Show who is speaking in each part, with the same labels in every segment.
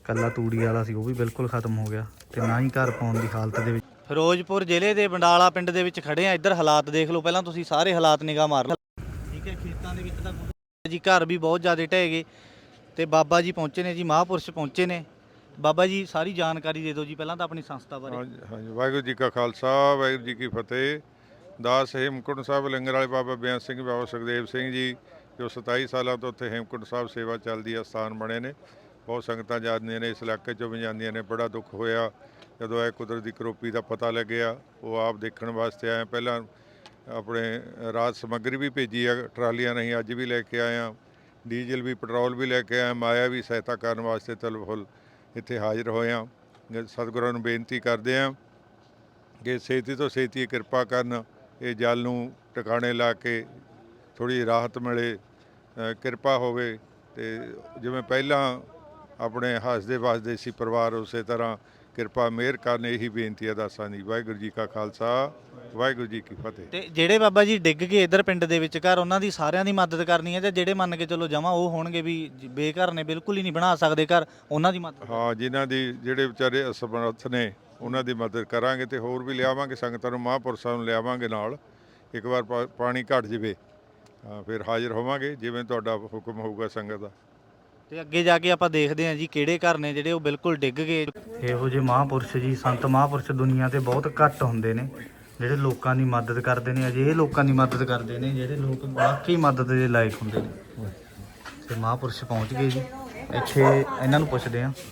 Speaker 1: ਕੱਲਾ ਤੂੜੀ ਵਾਲਾ ਸੀ ਉਹ ਵੀ ਬਿਲਕੁਲ ਖਤਮ ਹੋ ਗਿਆ ਤੇ ਨਾ ਹੀ ਘਰ ਪਾਉਣ ਦੀ ਹਾਲਤ ਦੇ ਵਿੱਚ। ਫਿਰੋਜ਼ਪੁਰ ਜ਼ਿਲ੍ਹੇ ਦੇ ਬੰਡਾਲਾ ਪਿੰਡ ਦੇ ਵਿੱਚ ਖੜੇ ਆ। ਇੱਧਰ ਹਾਲਾਤ ਦੇਖ ਲਓ ਪਹਿਲਾਂ ਤੁਸੀਂ, ਸਾਰੇ ਹਾਲਾਤ ਨਿਗਾਹ ਮਾਰ ਲਓ। ਠੀਕ ਹੈ, ਖੇਤਾਂ ਦੇ ਵਿੱਚ ਤਾਂ ਜੀ ਘਰ ਵੀ ਬਹੁਤ ਜ਼ਿਆਦਾ ਢਹਿ ਗਏ ਤੇ ਬਾਬਾ ਜੀ ਪਹੁੰਚੇ ਨੇ ਜੀ, ਮਹਾਂਪੁਰਸ਼ ਪਹੁੰਚੇ ਨੇ। ਬਾਬਾ ਜੀ ਸਾਰੀ ਜਾਣਕਾਰੀ ਦੇ ਦਿਓ ਜੀ ਪਹਿਲਾਂ ਤਾਂ ਆਪਣੀ ਸੰਸਥਾ ਬਾਰੇ।
Speaker 2: ਹਾਂਜੀ, ਵਾਹਿਗੁਰੂ ਜੀ ਕਾ ਖਾਲਸਾ, ਵਾਹਿਗੁਰੂ ਜੀ ਕੀ ਫਤਿਹ। ਦਾਸ ਹੇਮਕੁੰਟ ਸਾਹਿਬ ਲੰਗਰ ਵਾਲੇ ਬਾਬਾ ਬੇਅੰਤ ਸਿੰਘ, ਬਾਬਾ ਸੁਖਦੇਵ ਸਿੰਘ ਜੀ, ਜੋ 27 ਸਾਲਾਂ ਤੋਂ ਉੱਥੇ ਹੇਮਕੁੰਟ ਸਾਹਿਬ ਸੇਵਾ ਚੱਲਦੀ ਹੈ, ਸਥਾਨ ਬਣੇ ਨੇ। ਬਹੁਤ ਸੰਗਤਾਂ ਜਾਂਦੀਆਂ ਨੇ, ਇਸ ਇਲਾਕੇ 'ਚੋਂ ਵੀ ਜਾਂਦੀਆਂ ਨੇ। ਬੜਾ ਦੁੱਖ ਹੋਇਆ ਜਦੋਂ ਇਹ ਕੁਦਰਤ ਦੀ ਕਰੋਪੀ ਦਾ ਪਤਾ ਲੱਗਿਆ। ਉਹ ਆਪ ਦੇਖਣ ਵਾਸਤੇ ਆਏ। ਪਹਿਲਾਂ ਆਪਣੇ ਰਾਜ ਸਮੱਗਰੀ ਵੀ ਭੇਜੀ ਆ ਟਰਾਲੀਆਂ ਨਹੀਂ, ਅੱਜ ਵੀ ਲੈ ਕੇ ਆਏ ਹਾਂ। ਡੀਜ਼ਲ ਵੀ, ਪੈਟਰੋਲ ਵੀ ਲੈ ਕੇ ਆਏ। ਮਾਇਆ ਵੀ ਸਹਾਇਤਾ ਕਰਨ ਵਾਸਤੇ ਤਲ ਫੁੱਲ ਇੱਥੇ ਹਾਜ਼ਰ ਹੋਏ ਹਾਂ। ਸਤਿਗੁਰਾਂ ਨੂੰ ਬੇਨਤੀ ਕਰਦੇ ਹਾਂ ਕਿ ਛੇਤੀ ਤੋਂ ਛੇਤੀ ਕਿਰਪਾ ਕਰਨ, ਇਹ ਜਲ ਨੂੰ ਟਿਕਾਣੇ ਲਾ ਕੇ ਥੋੜ੍ਹੀ ਰਾਹਤ ਮਿਲੇ, ਕਿਰਪਾ ਹੋਵੇ। ਅਤੇ ਜਿਵੇਂ ਪਹਿਲਾਂ ਆਪਣੇ ਹੱਸਦੇ ਵੱਸਦੇ ਸੀ ਪਰਿਵਾਰ, ਉਸੇ ਤਰ੍ਹਾਂ ਕਿਰਪਾ ਮਿਹਰ ਕਰਨ, ਇਹੀ ਬੇਨਤੀ ਹੈ ਦਾਸਾਂ ਦੀ। ਵਾਹਿਗੁਰੂ ਜੀ ਕਾ ਖਾਲਸਾ, ਵਾਹਿਗੁਰੂ ਜੀ ਕੀ ਫਤਿਹ।
Speaker 1: ਤੇ ਜਿਹੜੇ ਬਾਬਾ ਜੀ ਡਿੱਗ ਗਏ ਇੱਧਰ ਪਿੰਡ ਦੇ ਵਿੱਚ ਘਰ, ਉਹਨਾਂ ਦੀ ਸਾਰਿਆਂ ਦੀ ਮਦਦ ਕਰਨੀ ਹੈ ਜਾਂ ਜਿਹੜੇ ਮੰਨ ਕੇ ਚਲੋ ਜਮਾਂ ਉਹ ਹੋਣਗੇ ਵੀ ਬੇਘਰ ਨੇ, ਬਿਲਕੁਲ ਹੀ ਨਹੀਂ ਬਣਾ ਸਕਦੇ ਘਰ, ਉਹਨਾਂ ਦੀ ਮਦਦ?
Speaker 2: ਹਾਂ, ਜਿਨ੍ਹਾਂ ਦੀ ਜਿਹੜੇ ਵਿਚਾਰੇ ਅਸਮਰੱਥ ਨੇ ਉਹਨਾਂ ਦੀ ਮਦਦ ਕਰਾਂਗੇ ਤੇ ਹੋਰ ਵੀ ਲਿਆਵਾਂਗੇ ਸੰਗਤਾਂ ਨੂੰ, ਮਹਾਂਪੁਰਸ਼ਾਂ ਨੂੰ ਲਿਆਵਾਂਗੇ ਨਾਲ। ਇੱਕ ਵਾਰ ਪਾਣੀ ਘਟ ਜਾਵੇ ਫਿਰ ਹਾਜ਼ਰ ਹੋਵਾਂਗੇ ਜਿਵੇਂ ਤੁਹਾਡਾ ਹੁਕਮ ਹੋਊਗਾ ਸੰਗਤ ਦਾ।
Speaker 1: ਤੇ ਅੱਗੇ ਜਾ ਕੇ ਆਪਾਂ ਦੇਖਦੇ ਹਾਂ ਜੀ ਕਿਹੜੇ ਘਰ ਨੇ ਜਿਹੜੇ ਉਹ ਬਿਲਕੁਲ ਡਿੱਗ ਗਏ। ਇਹੋ ਜਿਹੇ ਮਹਾਂਪੁਰਸ਼ ਜੀ, ਸੰਤ ਮਹਾਂਪੁਰਸ਼ ਦੁਨੀਆ ਤੇ ਬਹੁਤ ਘੱਟ ਹੁੰਦੇ ਨੇ ਜਿਹੜੇ ਲੋਕਾਂ ਦੀ ਮਦਦ ਕਰਦੇ ਨੇ। ਅਜਿਹੇ ਲੋਕਾਂ ਦੀ ਮਦਦ ਕਰਦੇ ਨੇ ਜਿਹੜੇ ਲੋਕ ਵਾਕਈ ਮਦਦ ਦੇ ਲਾਇਕ ਹੁੰਦੇ ਨੇ। ਤੇ ਮਹਾਂਪੁਰਸ਼ ਪਹੁੰਚ ਗਏ ਜੀ, ਇੱਥੇ ਇਹਨਾਂ ਨੂੰ ਪੁੱਛਦੇ ਹਾਂ।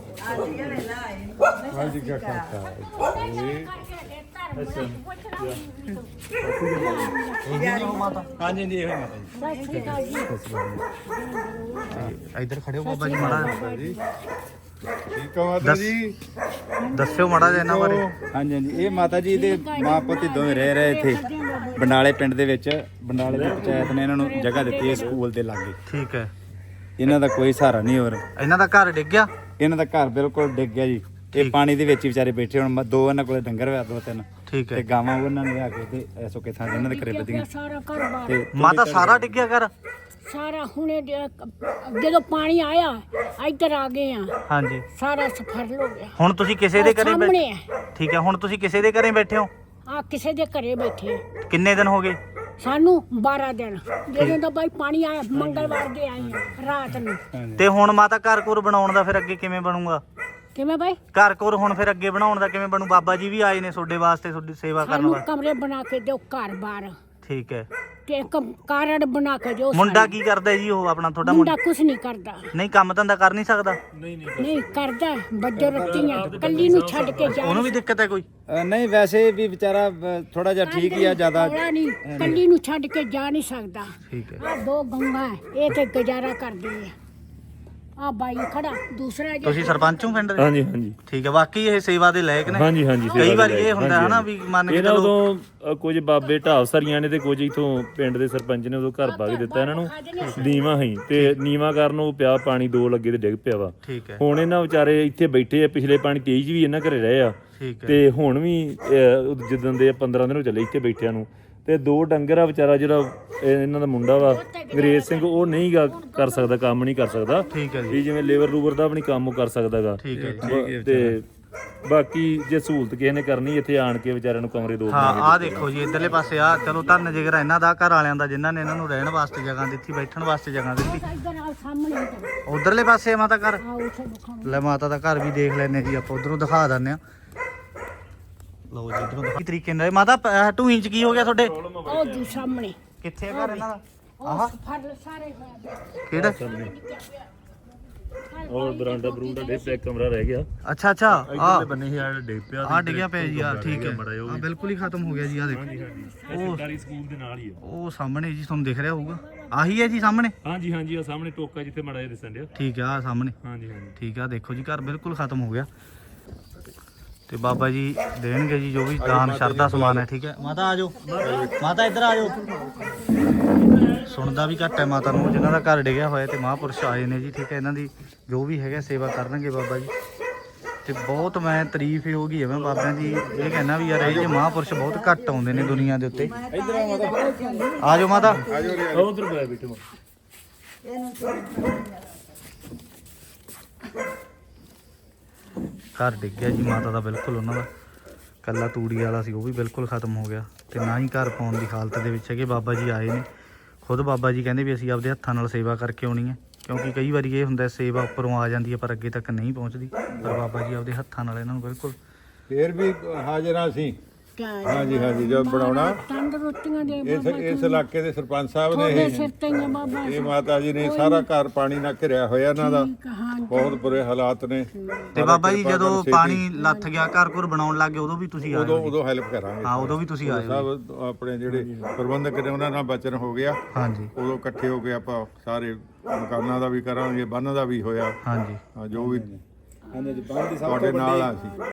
Speaker 2: ਹਾਂਜੀ, ਕੀ ਖਾਲਸਾ।
Speaker 1: ਹਾਂਜੀ ਜੀ, ਇਹੋ ਮਾਤਾ ਜੀ। ਇੱਧਰ ਖੜੇ ਹੋ ਬਾਬਾ ਜੀ, ਮਾੜਾ
Speaker 2: ਜੀ ਠੀਕ ਆ ਮਾਤਾ ਜੀ,
Speaker 1: ਦੱਸਿਓ ਮਾੜਾ ਜਿਹਾ ਇਹਨਾਂ ਬਾਰੇ।
Speaker 3: ਹਾਂਜੀ ਹਾਂਜੀ, ਇਹ ਮਾਤਾ ਜੀ ਦੇ ਮਾਂ ਪੁੱਤ ਦੋਵੇਂ ਰਹਿ ਰਹੇ ਇੱਥੇ ਬੰਡਾਲੇ ਪਿੰਡ ਦੇ ਵਿੱਚ। ਬੰਡਾਲੇ ਦੀ ਪੰਚਾਇਤ ਨੇ ਇਹਨਾਂ ਨੂੰ ਜਗ੍ਹਾ ਦਿੱਤੀ ਹੈ ਸਕੂਲ ਦੇ ਲਾਗੇ।
Speaker 1: ਠੀਕ ਹੈ,
Speaker 3: ਇਹਨਾਂ ਦਾ ਕੋਈ ਸਹਾਰਾ ਨਹੀਂ ਹੋਰ।
Speaker 1: ਇਹਨਾਂ ਦਾ ਘਰ ਡਿੱਗ ਗਿਆ?
Speaker 3: ਇਹਨਾਂ ਦਾ ਘਰ ਬਿਲਕੁਲ ਡਿੱਗ ਗਿਆ ਜੀ। ਇਹ ਪਾਣੀ ਦੇ ਵਿੱਚ ਹੀ ਵਿਚਾਰੇ ਬੈਠੇ। ਹੁਣ ਦੋ ਇਹਨਾਂ ਕੋਲੇ ਡੰਗਰ ਹੋਇਆ, ਦੋ ਤਿੰਨ,
Speaker 1: ਠੀਕ ਹੈ,
Speaker 3: ਤੇ ਗਾਵਾਂ ਉਹਨਾਂ ਨੇ ਲਿਆ ਕੇ ਤੇ ਸੁੱਕੇ ਥਾਂ ਇਹਨਾਂ ਦੇ ਘਰੇ ਬੱਧੀਆਂ। ਤੇ
Speaker 1: ਮਾਤਾ ਸਾਰਾ ਡਿੱਗਿਆ ਘਰ?
Speaker 4: ਸਾਰਾ ਹੁਣੇ ਜਦੋਂ ਪਾਣੀ ਆਇਆ ਇੱਧਰ ਆ ਗਏ ਆ।
Speaker 1: ਹਾਂਜੀ,
Speaker 4: ਸਾਰਾ ਸਫਰ ਹੋ ਗਿਆ।
Speaker 1: ਹੁਣ ਤੁਸੀਂ ਕਿਸੇ ਦੇ ਘਰੇ
Speaker 4: ਸਾਹਮਣੇ ਆ।
Speaker 1: ਠੀਕ ਹੈ, ਹੁਣ ਤੁਸੀਂ ਕਿਸੇ ਦੇ ਘਰੇ ਬੈਠੇ ਹੋ?
Speaker 4: ਆ ਕਿਸੇ ਦੇ ਘਰੇ ਬੈਠੇ।
Speaker 1: ਕਿੰਨੇ ਦਿਨ ਹੋ ਗਏ?
Speaker 4: ਸਾਨੂੰ 12 ਦਿਨ। ਜਦੋਂ ਦਾ ਬਾਈ ਪਾਣੀ ਆਇਆ ਮੰਗਲਵਾਰ ਦੇ ਆਏ ਆ ਰਾਤ ਨੂੰ।
Speaker 1: ਤੇ ਹੁਣ ਮਾਤਾ ਘਰ ਘੁਰ ਬਣਾਉਣ ਦਾ ਫਿਰ ਅੱਗੇ ਕਿਵੇਂ ਬਣੂਗਾ?
Speaker 4: ਕਿਵੇਂ ਬਾਈ?
Speaker 1: ਘਰ ਘੁਰ ਹੁਣ ਫਿਰ ਅੱਗੇ ਬਣਾਉਣ ਦਾ ਕਿਵੇਂ ਬਣੂ? ਬਾਬਾ ਜੀ ਵੀ ਆਏ ਨੇ ਤੁਹਾਡੇ ਵਾਸਤੇ, ਤੁਹਾਡੀ ਸੇਵਾ ਕਰਨ
Speaker 4: ਸਾਨੂੰ
Speaker 1: ਵਾਸਤੇ।
Speaker 4: ਕਮਰੇ ਬਣਾ ਕੇ ਦਿਓ, ਘਰ ਬਾਰ
Speaker 1: ਠੀਕ ਹੈ,
Speaker 4: ਤੇ ਕਾਰਡ ਬਣਾ ਕੇ ਦਿਓ।
Speaker 1: ਮੁੰਡਾ ਕੀ ਕਰਦਾ ਜੀ? ਉਹ ਆਪਣਾ ਤੁਹਾਡਾ
Speaker 4: ਮੁੰਡਾ ਕੁਛ ਨਹੀਂ ਕਰਦਾ।
Speaker 1: ਨਹੀਂ, ਕੰਮ ਧੰਦਾ ਕਰ ਨਹੀਂ ਸਕਦਾ?
Speaker 4: ਨਹੀਂ ਕਰਦਾ, ਬੱਜੋ ਰੱਤੀਆਂ ਕੱਲੀ ਨੂੰ ਛੱਡ ਕੇ ਜਾ।
Speaker 1: ਉਹਨੂੰ ਵੀ ਦਿੱਕਤ ਹੈ ਕੋਈ?
Speaker 3: ਨਹੀਂ, ਵੈਸੇ ਵੀ ਵਿਚਾਰਾ ਥੋੜਾ ਜਿਹਾ ਠੀਕ ਹੀ ਆ, ਜ਼ਿਆਦਾ
Speaker 4: ਨਹੀਂ, ਕੱਲੀ ਨੂੰ ਛੱਡ ਕੇ ਜਾ ਨਹੀਂ ਸਕਦਾ।
Speaker 1: ਠੀਕ ਹੈ,
Speaker 4: ਆ ਦੋ ਗੰਗਾ ਇਹ ਤੇ ਗੁਜ਼ਾਰਾ ਕਰਦੀ ਹੈ। ਆ ਬਾਈ ਖੜਾ ਦੂਸਰਾ
Speaker 1: ਤੁਸੀਂ ਸਰਪੰਚ ਹੋ ਪਿੰਡ ਦੇ?
Speaker 5: ਹਾਂਜੀ ਹਾਂਜੀ
Speaker 1: ਠੀਕ ਹੈ, ਵਾਕਈ ਇਹ ਸੇਵਾ ਦੇ ਲਾਇਕ ਨੇ।
Speaker 5: ਹਾਂਜੀ ਹਾਂਜੀ,
Speaker 1: ਕਈ ਵਾਰੀ ਇਹ ਹੁੰਦਾ ਹੈ ਨਾ ਵੀ ਮੰਨ ਕੇ
Speaker 5: ਇਹਨਾਂ
Speaker 1: ਚਲੋ
Speaker 5: ਉਦੋਂ ਕੁਝ ਬਾਬੇ ਢਾਬ ਸਰੀਆਂ ਨੇ ਤੇ ਕੁਝ ਇਥੋਂ ਪਿੰਡ ਦੇ ਸਰਪੰਚ ਨੇ ਉਦੋਂ ਘਰ ਪਾ ਕੇ ਦਿੱਤਾ ਇਹਨਾਂ ਨੂੰ। ਨੀਵਾਂ ਹੀ ਤੇ ਨੀਵਾਂ ਕਰਨ ਉਹ ਪਿਆ ਪਾਣੀ, ਦੋ ਲੱਗੇ ਤੇ ਡਿੱਗ ਪਿਆ ਵਾ।
Speaker 1: ਠੀਕ ਹੈ,
Speaker 5: ਹੁਣ ਇਹਨਾਂ ਵਿਚਾਰੇ ਇੱਥੇ ਬੈਠੇ ਆ। ਪਿਛਲੇ ਪਾਣੀ 23 ਵੀ ਇਹਨਾਂ ਘਰੇ ਰਹੇ ਆ
Speaker 1: ਠੀਕ ਹੈ,
Speaker 5: ਤੇ ਹੁਣ ਵੀ ਜਿੱਦਣ ਦੇ 15 ਦਿਨ ਹੋ ਚੱਲੇ ਇੱਥੇ ਬੈਠਿਆਂ ਨੂੰ। ਤੇ ਦੋ ਡੰਗਰ ਆ ਵਿਚਾਰਾ, ਜਿਹੜਾ ਇਹਨਾਂ ਦਾ ਮੁੰਡਾ ਵਾ ਅੰਗਰੇਜ਼ ਸਿੰਘ, ਉਹ ਨਹੀਂ ਗਾ ਕਰ ਸਕਦਾ, ਕੰਮ ਨਹੀਂ ਕਰ ਸਕਦਾ।
Speaker 1: ਠੀਕ ਹੈ ਜੀ,
Speaker 5: ਵੀ ਜਿਵੇਂ ਲੇਬਰ ਲੂਬਰ ਦਾ ਵੀ ਨਹੀਂ ਕੰਮ ਕਰ ਸਕਦਾਗਾ।
Speaker 1: ਠੀਕ ਹੈ ਜੀ।
Speaker 5: ਤੇ ਬਾਕੀ ਜੇ ਸਹੂਲਤ ਕਿਸੇ ਨੇ ਕਰਨੀ ਇੱਥੇ ਆਣ ਕੇ ਵਿਚਾਰਿਆਂ ਨੂੰ ਕਮਰੇ ਦੋ
Speaker 1: ਹਾਂ, ਆਹ ਦੇਖੋ ਜੀ ਇਧਰਲੇ ਪਾਸੇ ਆ, ਚਲੋ ਧੰਨ ਜਿਗਰ ਇਹਨਾਂ ਦਾ, ਘਰ ਵਾਲਿਆਂ ਦਾ, ਜਿਨ੍ਹਾਂ ਨੇ ਇਹਨਾਂ ਨੂੰ ਰਹਿਣ ਵਾਸਤੇ ਜਗ੍ਹਾ ਦਿੱਤੀ, ਬੈਠਣ ਵਾਸਤੇ ਜਗ੍ਹਾ ਦਿੱਤੀ।
Speaker 4: ਇੱਧਰ ਆ ਸਾਹਮਣੇ
Speaker 1: ਉਧਰਲੇ ਪਾਸੇ ਮਾਤਾ ਘਰ?
Speaker 4: ਆ ਉੱਥੇ ਦਿਖਾਉਣਾ।
Speaker 1: ਲੈ ਮਾਤਾ ਦਾ ਘਰ ਵੀ ਦੇਖ ਲੈਨੇ ਜੀ ਆਪਾਂ, ਉਧਰੋਂ ਦਿਖਾ ਦਿੰਦੇ ਆ। ਲਓ ਜੀ, ਇਧਰੋਂ ਕੀ ਤਰੀਕੇ ਨਾਲ ਮਾਤਾ ਢੂਈ ਚ ਕੀ ਹੋ ਗਿਆ ਤੁਹਾਡੇ?
Speaker 4: ਉਹ ਦੂ ਸਾਹਮਣੇ
Speaker 1: ਕਿੱਥੇ ਆ ਘਰ ਇਹਨਾਂ ਦਾ?
Speaker 4: ਉਹ ਫੜ ਸਾਰੇ ਹੋਇਆ।
Speaker 1: ਕਿਹੜਾ?
Speaker 5: ਔਰ ਬਰਾਂਡਾ ਬਰੂੰਡਾ ਦੇ ਪਿਆ, ਕਮਰਾ ਰਹਿ ਗਿਆ।
Speaker 1: ਅੱਛਾ ਅੱਛਾ,
Speaker 5: ਇੱਧਰਲੇ ਬੰਨੇ ਹੀ ਆ ਡਿੱਗ ਪਿਆ।
Speaker 1: ਆ ਡਿੱਗਿਆ ਪਿਆ ਜੀ, ਆ ਠੀਕ ਹੈ, ਆ ਬਿਲਕੁਲ ਹੀ ਖਤਮ ਹੋ ਗਿਆ ਜੀ। ਆ ਦੇਖੋ,
Speaker 5: ਇਹ ਸਰਕਾਰੀ ਸਕੂਲ ਦੇ ਨਾਲ ਹੀ ਆ।
Speaker 1: ਉਹ ਸਾਹਮਣੇ ਜੀ ਤੁਹਾਨੂੰ ਦਿਖ ਰਿਹਾ ਹੋਊਗਾ, ਆਹੀ ਹੈ ਜੀ ਸਾਹਮਣੇ?
Speaker 5: ਹਾਂਜੀ ਹਾਂਜੀ, ਆ ਸਾਹਮਣੇ ਟੋਕਾ ਜਿੱਥੇ ਮੜਾ ਜਿਹਾ ਦਿਸਣ ਡਿਆ।
Speaker 1: ਠੀਕ ਆ, ਆ ਸਾਹਮਣੇ।
Speaker 5: ਹਾਂਜੀ ਹਾਂਜੀ,
Speaker 1: ਠੀਕ ਆ, ਦੇਖੋ ਜੀ ਘਰ ਬਿਲਕੁਲ ਖਤਮ ਹੋ ਗਿਆ। ਤੇ ਬਾਬਾ ਜੀ ਦੇਣਗੇ ਜੀ ਜੋ ਵੀ ਦਾਨ ਸ਼ਰਧਾ ਸਮਾਨ ਹੈ। ਠੀਕ ਹੈ ਮਾਤਾ, ਆ ਜਾਓ ਮਾਤਾ, ਇੱਧਰ ਆ ਜਾਓ। ਸੁਣਦਾ ਵੀ ਘੱਟ ਹੈ ਮਾਤਾ ਨੂੰ, ਜਿਨ੍ਹਾਂ ਦਾ ਘਰ ਡਿੱਗਿਆ ਹੋਇਆ ਤੇ ਮਹਾਂਪੁਰਸ਼ ਆਏ ਨੇ ਜੀ। ਠੀਕ ਹੈ, ਇਹਨਾਂ ਦੀ ਜੋ ਵੀ ਹੈਗਾ ਸੇਵਾ ਕਰਨਗੇ ਬਾਬਾ ਜੀ। ਤੇ ਬਹੁਤ ਮੈਂ ਤਾਰੀਫ ਹੀ ਹੋਗੀ ਹੈ ਮੈਂ ਬਾਬਿਆਂ ਦੀ, ਇਹ ਕਹਿਣਾ ਵੀ ਯਾਰ ਇਹ ਜਿਹੇ ਮਹਾਂਪੁਰਸ਼ ਬਹੁਤ ਘੱਟ ਆਉਂਦੇ ਨੇ ਦੁਨੀਆ ਦੇ ਉੱਤੇ। ਆ ਜਾਓ ਮਾਤਾ,
Speaker 5: ਉਧਰ ਬੈ ਬੈਠੋ।
Speaker 1: ਘਰ ਡਿੱਗ ਗਿਆ ਜੀ ਮਾਤਾ ਦਾ ਬਿਲਕੁਲ ਉਹਨਾਂ ਦਾ ਕੱਲਾ ਤੂੜੀ ਵਾਲਾ ਸੀ, ਉਹ ਵੀ ਬਿਲਕੁਲ ਖਤਮ ਹੋ ਗਿਆ ਤੇ ਨਾ ਹੀ ਘਰ ਪਾਉਣ ਦੀ ਹਾਲਤ ਦੇ ਵਿੱਚ ਹੈਗੇ। ਬਾਬਾ ਜੀ ਆਏ ਨੇ, ਖੁਦ ਬਾਬਾ ਜੀ ਕਹਿੰਦੇ ਵੀ ਅਸੀਂ ਆਪਦੇ ਹੱਥਾਂ ਨਾਲ ਸੇਵਾ ਕਰਕੇ ਆਉਣੀ ਹੈ, ਕਿਉਂਕਿ ਕਈ ਵਾਰੀ ਇਹ ਹੁੰਦਾ ਸੇਵਾ ਉੱਪਰੋਂ ਆ ਜਾਂਦੀ ਹੈ ਪਰ ਅੱਗੇ ਤੱਕ ਨਹੀਂ ਪਹੁੰਚਦੀ, ਪਰ ਬਾਬਾ ਜੀ ਆਪਦੇ ਹੱਥਾਂ ਨਾਲ ਇਹਨਾਂ ਨੂੰ ਬਿਲਕੁਲ
Speaker 2: ਫੇਰ ਵੀ ਹਾਜ਼ਰਾਂ ਸੀ। ਹਾਂਜੀ ਹਾਂਜੀ, ਜਦ ਬਣਾਉਣਾ
Speaker 4: ਤੰਦਰੁਸਤੀਆਂ ਦੇ
Speaker 2: ਇਸ ਇਲਾਕੇ ਦੇ ਸਰਪੰਚ ਸਾਹਿਬ ਨੇ
Speaker 4: ਤੁਹਾਡੇ ਸਿਰ ਤੇ ਹੀ ਆ ਬਾਬਾ
Speaker 2: ਇਹ ਮਾਤਾ ਜੀ ਨੇ ਸਾਰਾ ਘਰ ਪਾਣੀ ਨਾਲ ਘਿਰਿਆ ਹੋਇਆ ਇਹਨਾਂ ਦਾ,
Speaker 4: ਹਾਂ
Speaker 2: ਬਹੁਤ ਬੁਰੇ ਹਾਲਾਤ ਨੇ।
Speaker 1: ਤੇ ਬਾਬਾ ਜੀ ਜਦੋਂ ਪਾਣੀ ਲੱਥ ਗਿਆ ਘਰ ਘਰ ਬਣਾਉਣ ਲੱਗ ਗਏ ਉਦੋਂ ਵੀ ਤੁਸੀਂ ਆਏ ਹੋ ਜੀ?
Speaker 2: ਉਦੋਂ ਹੈਲਪ ਕਰਾਂਗੇ।
Speaker 1: ਹਾਂ ਉਦੋਂ ਵੀ ਤੁਸੀਂ ਆਏ ਹੋ
Speaker 2: ਸਭ ਆਪਣੇ ਜਿਹੜੇ ਪ੍ਰਬੰਧਕ ਨੇ ਉਹਨਾਂ ਨਾਲ ਬਚਨ ਹੋ ਗਿਆ,
Speaker 1: ਹਾਂਜੀ
Speaker 2: ਉਦੋਂ ਇਕੱਠੇ ਹੋ ਕੇ ਆਪਾਂ ਸਾਰੇ ਮਕਾਨਾਂ ਦਾ ਵੀ ਕਰਾਂਗੇ, ਬੰਨ ਦਾ ਵੀ ਹੋਇਆ।
Speaker 1: ਹਾਂਜੀ
Speaker 2: ਹਾਂ, ਜੋ ਵੀ
Speaker 3: ਹਾਂਜੀ ਬੰਦ ਦੀ ਸਭ
Speaker 2: ਤੁਹਾਡੇ ਨਾਲ ਆ ਸੀ।